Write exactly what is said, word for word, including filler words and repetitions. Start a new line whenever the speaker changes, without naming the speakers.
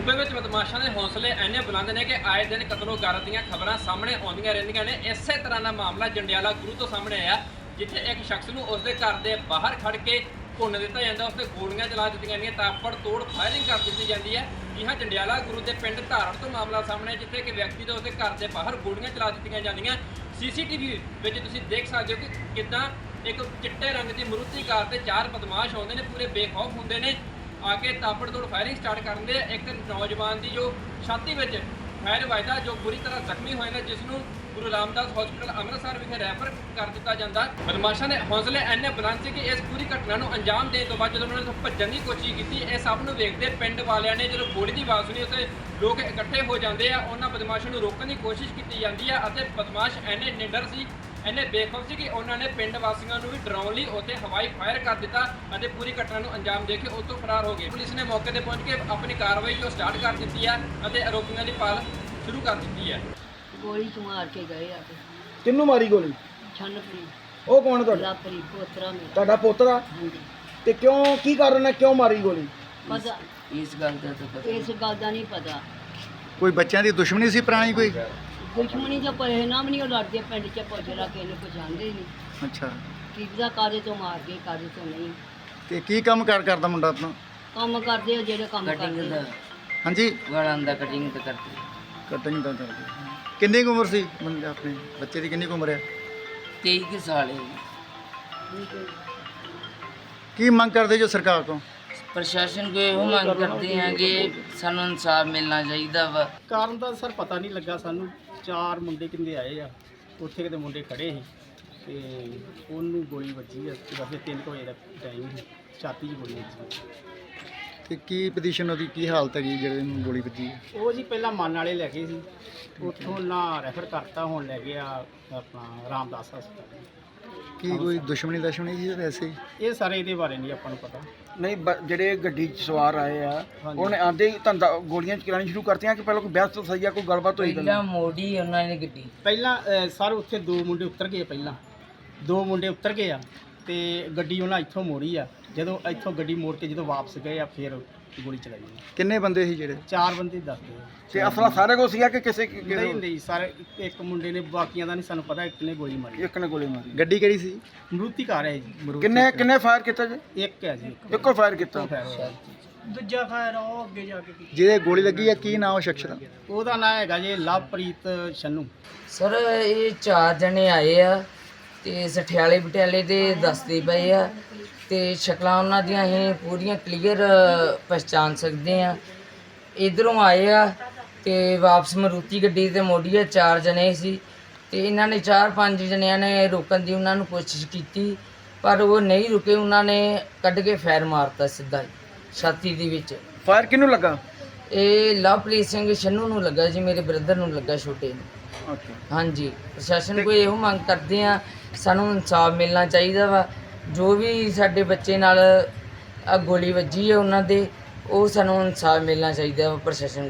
ਸੂਬੇ ਵਿੱਚ ਬਦਮਾਸ਼ਾਂ ਦੇ ਹੌਸਲੇ ਇੰਨੇ ਬੁਲੰਦ ਨੇ ਕਿ ਆਏ ਦਿਨ ਕਤਲੋ ਗਾਰਤ ਦੀਆਂ ਖਬਰਾਂ ਸਾਹਮਣੇ ਆਉਂਦੀਆਂ ਰਹਿੰਦੀਆਂ ਨੇ। ਇਸੇ ਤਰ੍ਹਾਂ ਦਾ ਮਾਮਲਾ ਜੰਡਿਆਲਾ ਗੁਰੂ ਤੋਂ ਸਾਹਮਣੇ ਆਇਆ, ਜਿੱਥੇ ਇੱਕ ਸ਼ਖਸ ਨੂੰ ਉਸਦੇ ਘਰ ਦੇ ਬਾਹਰ ਖੜ ਕੇ ਭੁੰਨ ਦਿੱਤਾ ਜਾਂਦਾ, ਉਸਤੇ ਗੋਲੀਆਂ ਚਲਾ ਦਿੱਤੀਆਂ ਜਾਂਦੀਆਂ, ਤਾਪੜ ਤੋੜ ਫਾਇਰਿੰਗ ਕਰ ਦਿੱਤੀ ਜਾਂਦੀ ਹੈ। ਜੀ ਹਾਂ, ਜੰਡਿਆਲਾ ਗੁਰੂ ਦੇ ਪਿੰਡ ਧਾਰਨ ਤੋਂ ਮਾਮਲਾ ਸਾਹਮਣੇ, ਜਿੱਥੇ ਕਿ ਵਿਅਕਤੀ ਦੇ ਉਸਦੇ ਘਰ ਦੇ ਬਾਹਰ ਗੋਲੀਆਂ ਚਲਾ ਦਿੱਤੀਆਂ ਜਾਂਦੀਆਂ। ਸੀਸੀਟੀਵੀ ਵਿੱਚ ਤੁਸੀਂ ਦੇਖ ਸਕਦੇ ਹੋ ਕਿ ਕਿੱਦਾਂ ਇੱਕ ਚਿੱਟੇ ਰੰਗ ਦੀ ਮਰੂਤੀ ਕਾਰ ਤੇ ਚਾਰ ਬਦਮਾਸ਼ ਆਉਂਦੇ ਨੇ, ਪੂਰੇ ਬੇਖੌਫ ਹੁੰਦੇ ਨੇ, ਆ ਕੇ ਤਾਪੜ ਤੋੜ ਫਾਇਰਿੰਗ ਸਟਾਰਟ ਕਰਦੇ ਆ। ਇੱਕ ਨੌਜਵਾਨ ਦੀ ਜੋ ਛਾਤੀ ਵਿੱਚ ਫਾਇਰ ਵੱਜਦਾ, ਜੋ ਬੁਰੀ ਤਰ੍ਹਾਂ ਜ਼ਖਮੀ ਹੋਏ ਨੇ, ਜਿਸ ਨੂੰ ਗੁਰੂ ਰਾਮਦਾਸ ਹਸਪੀਟਲ ਅੰਮ੍ਰਿਤਸਰ ਵਿਖੇ ਰੈਫਰ ਕਰ ਦਿੱਤਾ ਜਾਂਦਾ। ਬਦਮਾਸ਼ਾਂ ਦੇ ਹੌਸਲੇ ਇੰਨੇ ਬੁਲੰਦ ਸੀ ਕਿ ਇਸ ਪੂਰੀ ਘਟਨਾ ਨੂੰ ਅੰਜਾਮ ਦੇਣ ਤੋਂ ਬਾਅਦ ਜਦੋਂ ਉਹਨਾਂ ਨੇ ਭੱਜਣ ਦੀ ਕੋਸ਼ਿਸ਼ ਕੀਤੀ, ਇਹ ਸਭ ਨੂੰ ਵੇਖਦੇ ਪਿੰਡ ਵਾਲਿਆਂ ਨੇ ਜਦੋਂ ਗੋਲੀ ਦੀ ਆਵਾਜ਼ ਸੁਣੀ, ਉੱਥੇ ਲੋਕ ਇਕੱਠੇ ਹੋ ਜਾਂਦੇ ਆ। ਉਹਨਾਂ ਬਦਮਾਸ਼ਾਂ ਨੂੰ ਰੋਕਣ ਦੀ ਕੋਸ਼ਿਸ਼ ਕੀਤੀ ਜਾਂਦੀ ਆ ਅਤੇ ਬਦਮਾਸ਼ ਇੰਨੇ ਨਿਡਰ ਸੀ, ਇੰਨੇ ਬੇਖੌਫ ਸੀ ਕਿ ਉਹਨਾਂ ਨੇ ਪਿੰਡ ਵਾਸੀਆਂ ਨੂੰ ਵੀ ਡਰਾਉਣ ਲਈ ਉੱਥੇ ਹਵਾਈ ਫਾਇਰ ਕਰ ਦਿੱਤਾ ਅਤੇ ਪੂਰੀ ਘਟਨਾ ਨੂੰ ਅੰਜਾਮ ਦੇ ਕੇ ਉਸ ਤੋਂ ਫਰਾਰ ਹੋ ਗਏ। ਪੁਲਿਸ ਨੇ ਮੌਕੇ ਤੇ ਪਹੁੰਚ ਕੇ ਆਪਣੀ ਕਾਰਵਾਈ ਜੋ ਸਟਾਰਟ ਕਰ ਦਿੱਤੀ ਹੈ ਅਤੇ ਆਰੋਪੀਆਂ ਦੀ ਭਾਲ ਸ਼ੁਰੂ ਕਰ ਦਿੱਤੀ ਹੈ।
ਗੋਲੀ ਤੋਂ ਮਾਰ ਕੇ ਗਏ ਆ ਤੇ
ਕਿੰਨੂੰ ਮਾਰੀ ਗੋਲੀ?
ਛੰਨਪਰੀ
ਉਹ ਕੌਣ ਤੁਹਾਡਾ?
ਲਾਪਰੀ ਪੋਤਰਾ ਮੇਰਾ।
ਤੁਹਾਡਾ ਪੋਤਰਾ?
ਹਾਂਜੀ।
ਤੇ ਕਿਉਂ, ਕੀ ਕਾਰਨ ਹੈ, ਕਿਉਂ ਮਾਰੀ ਗੋਲੀ?
ਪਤਾ
ਇਸ ਗੱਲ ਦਾ ਤਾਂ ਪਤਾ
ਇਸ ਗੱਲ ਦਾ ਨਹੀਂ ਪਤਾ।
ਕੋਈ ਬੱਚਿਆਂ ਦੀ ਦੁਸ਼ਮਣੀ ਸੀ ਪੁਰਾਣੀ ਕੋਈ?
ਦੁਸ਼ਮਣੀ ਜਾਂ ਪਰਿਣਾਮ ਨਹੀਂ, ਉਹ ਲੜਦੇ ਪਿੰਡ 'ਚ ਪੁੱਛਦਾ ਕਿ ਇਹਨੂੰ ਪਛਾਣਦੇ ਨਹੀਂ
ਅੱਛਾ,
ਕੀ ਦਾ ਕਾਦੇ ਤੋਂ ਮਾਰ ਕੇ ਕਾਦੇ ਤੋਂ ਨਹੀਂ।
ਤੇ ਕੀ ਕੰਮ ਕਾਰ ਕਰਦਾ ਮੁੰਡਾ ਆਪਣਾ?
ਕੰਮ ਕਰਦੇ ਆ ਜਿਹੜੇ ਕੰਮ
ਕਟਿੰਗ
ਕਰਦੇ
ਦਾ
ਆ।
ਹਾਂਜੀ,
ਵਾਲਾਂ ਦਾ ਕਟਿੰਗ ਤਾਂ ਕਰਦੇ
ਕਟਿੰਗ ਦਾ ਕਰਦੇ। ਕਿੰਨੀ ਕੁ ਉਮਰ ਸੀ ਮੁੰਡੇ ਆਪਣੇ ਬੱਚੇ ਦੀ, ਕਿੰਨੀ ਕੁ ਉਮਰ ਹੈ?
ਤੇਈ ਕੁ ਸਾਲ ਹੈ ਜੀ।
ਕੀ ਮੰਗ ਕਰਦੇ ਜੋ ਸਰਕਾਰ ਤੋਂ?
ਪ੍ਰਸ਼ਾਸਨ ਕੋਲ ਇਹੋ ਮੰਗ ਕਰਦੇ ਹਾਂ ਕਿ ਸਾਨੂੰ ਇਨਸਾਫ ਮਿਲਣਾ ਚਾਹੀਦਾ ਵਾ।
ਕਾਰਨ ਦਾ ਸਰ ਪਤਾ ਨਹੀਂ ਲੱਗਾ ਸਾਨੂੰ। ਚਾਰ ਮੁੰਡੇ ਕਿੰਦੇ ਆਏ ਆ, ਉੱਥੇ ਕਿਤੇ ਮੁੰਡੇ ਖੜੇ ਸੀ ਤੇ ਉਹਨੂੰ ਗੋਲੀ ਵੱਜੀ ਆ। ਵੈਸੇ ਤਿੰਨ ਕੁ ਵਜੇ ਦਾ ਟਾਈਮ ਸੀ, ਛਾਤੀ 'ਚ ਗੋਲੀ ਵੱਜੀ।
ਤੇ ਕੀ ਪੋਜੀਸ਼ਨ ਉਹਦੀ, ਕੀ ਹਾਲਤ ਹੈਗੀ ਜਿਹੜੇ ਨੂੰ ਗੋਲੀ ਵੱਜੀ ਹੈ?
ਉਹ ਜੀ ਪਹਿਲਾਂ ਮਨ ਵਾਲੇ ਲੈ ਗਏ ਸੀ, ਉੱਥੋਂ ਨਾ ਰੈਫਰ ਕਰਤਾ, ਹੁਣ ਲੈ ਗਿਆ ਆਪਣਾ ਰਾਮਦਾਸ ਹਸਪਤਾਲ।
ਕੀ ਕੋਈ ਦੁਸ਼ਮਣੀ ਦੁਸ਼ਮਣੀ ਸੀ ਜਾਂ ਵੈਸੇ ਹੀ?
ਇਹ ਸਾਰੇ ਇਹਦੇ ਬਾਰੇ ਨਹੀਂ ਆਪਾਂ ਨੂੰ ਪਤਾ।
ਨਹੀਂ, ਬ- ਜਿਹੜੇ ਗੱਡੀ 'ਚ ਸਵਾਰ ਆਏ ਆ,
ਹਾਂਜੀ।
ਉਹਨੇ ਆਂਦੇ ਹੀ ਧੰਦਾ ਗੋਲੀਆਂ ਚਲਾਉਣੀ ਸ਼ੁਰੂ ਕਰਤੀਆਂ ਕਿ ਪਹਿਲਾਂ ਕੋਈ ਬਹਿਸ ਤੋਂ ਸਹੀ ਆ, ਕੋਈ ਗੱਲਬਾਤ ਹੋਈ?
ਪਹਿਲਾਂ ਮੋੜੀ ਉਹਨਾਂ ਨੇ ਗੱਡੀ।
ਪਹਿਲਾਂ ਅ, ਸਰ ਉੱਥੇ ਦੋ ਮੁੰਡੇ ਉਤਰ ਗਏ, ਪਹਿਲਾਂ ਦੋ ਮੁੰਡੇ ਉਤਰ ਗਏ ਆ ਤੇ ਗੱਡੀ ਉਹਨਾਂ ਇੱਥੋਂ ਮੋੜੀ ਆ। ਜਦੋਂ ਇੱਥੋਂ ਗੱਡੀ ਮੋੜ ਕੇ ਜਦੋਂ ਵਾਪਸ ਗਏ ਆ, ਫਿਰ ਗੋਲੀ ਚਲਾਈ ਆ।
ਕਿੰਨੇ ਬੰਦੇ ਸੀ ਜਿਹੜੇ?
ਚਾਰ ਬੰਦੇ ਦੱਸਦੇ ਆ।
ਤੇ ਅਸਲਾ ਸਾਰੇ ਕੋਲ ਸੀਗਾ ਕਿ ਕਿਸੇ ਕਿਸੇ
ਨਹੀਂ ਨਹੀਂ ਸਰ, ਇੱਕ ਮੁੰਡੇ ਨੇ, ਬਾਕੀਆਂ ਦਾ ਨਹੀਂ ਸਾਨੂੰ ਪਤਾ, ਇੱਕ ਨੇ ਗੋਲੀ ਮਾਰੀ।
ਇੱਕ ਨੇ ਗੋਲੀ ਮਾਰੀ?
ਗੱਡੀ ਕਿਹੜੀ ਸੀ?
ਮਰੂਤੀ ਕਾਰ ਹੈ ਜੀ।
ਕਿੰਨੇ ਕਿੰਨੇ ਫਾਇਰ ਕੀਤਾ ਜੀ?
ਇੱਕ ਹੈ ਜੀ, ਇੱਕ
ਇੱਕੋ ਫਾਇਰ ਕੀਤਾ?
ਫਾਇਰ ਹੋਇਆ। ਦੂਜਾ ਫਾਇਰ ਉਹ ਅੱਗੇ ਜਾ ਕੇ ਕੀਤਾ।
ਜਿਹਦੇ ਗੋਲੀ ਲੱਗੀ ਹੈ, ਕੀ ਨਾਮ ਉਹ ਸ਼ਖਸ ਦਾ?
ਉਹਦਾ ਨਾਂ ਹੈਗਾ ਜੀ ਲਵਪ੍ਰੀਤ ਛੰਨੂ।
ਸਰ ਇਹ ਚਾਰ ਜਣੇ ਆਏ ਆ ਤੇ ਸਠਿਆਲੇ ਪਟਿਆਲੇ ਦੇ ਦੱਸਦੇ ਪਏ ਆ ਤੇ ਸ਼ਕਲਾਂ ਉਹਨਾਂ ਦੀਆਂ ਅਸੀਂ ਪੂਰੀਆਂ ਕਲੀਅਰ ਪਛਾਣ ਸਕਦੇ ਆ। ਇਧਰੋਂ ਆਏ ਆ ਤੇ ਵਾਪਸ ਮਰੂਤੀ ਗੱਡੀ ਤੇ ਮੋੜੀ ਆ। ਚਾਰ ਜਣੇ ਸੀ ਤੇ ਇਹਨਾਂ ਨੇ ਚਾਰ ਪੰਜ ਜਣਿਆਂ ਨੇ ਰੋਕਣ ਦੀ ਉਹਨਾਂ ਨੂੰ ਕੋਸ਼ਿਸ਼ ਕੀਤੀ, ਪਰ ਉਹ ਨਹੀਂ ਰੁਕੇ। ਉਹਨਾਂ ਨੇ ਕੱਢ ਕੇ ਫਾਇਰ ਮਾਰਤਾ ਸਿੱਧਾ ਹੀ ਛਾਤੀ ਦੇ ਵਿੱਚ।
ਫਾਇਰ ਕਿਹਨੂੰ ਲੱਗਾ?
ਇਹ ਲਵਪ੍ਰੀਤ ਸਿੰਘ ਛੰਨੂ ਨੂੰ ਲੱਗਾ ਜੀ, ਮੇਰੇ ਬ੍ਰਦਰ ਨੂੰ ਲੱਗਾ, ਛੋਟੇ ਨੂੰ।
ਅੱਛਾ।
ਹਾਂਜੀ, ਪ੍ਰਸ਼ਾਸਨ ਕੋਈ ਇਹੋ ਮੰਗ ਕਰਦੇ ਆ, ਸਾਨੂੰ ਇਨਸਾਫ ਮਿਲਣਾ ਚਾਹੀਦਾ ਵਾ। ਜੋ ਵੀ ਸਾਡੇ ਬੱਚੇ ਨਾਲ ਆ ਗੋਲੀ ਵੱਜੀ ਹੈ ਉਹਨਾਂ ਦੇ, ਉਹ ਸਾਨੂੰ ਇਨਸਾਫ ਮਿਲਣਾ ਚਾਹੀਦਾ ਵਾ ਪ੍ਰਸ਼ਾਸਨ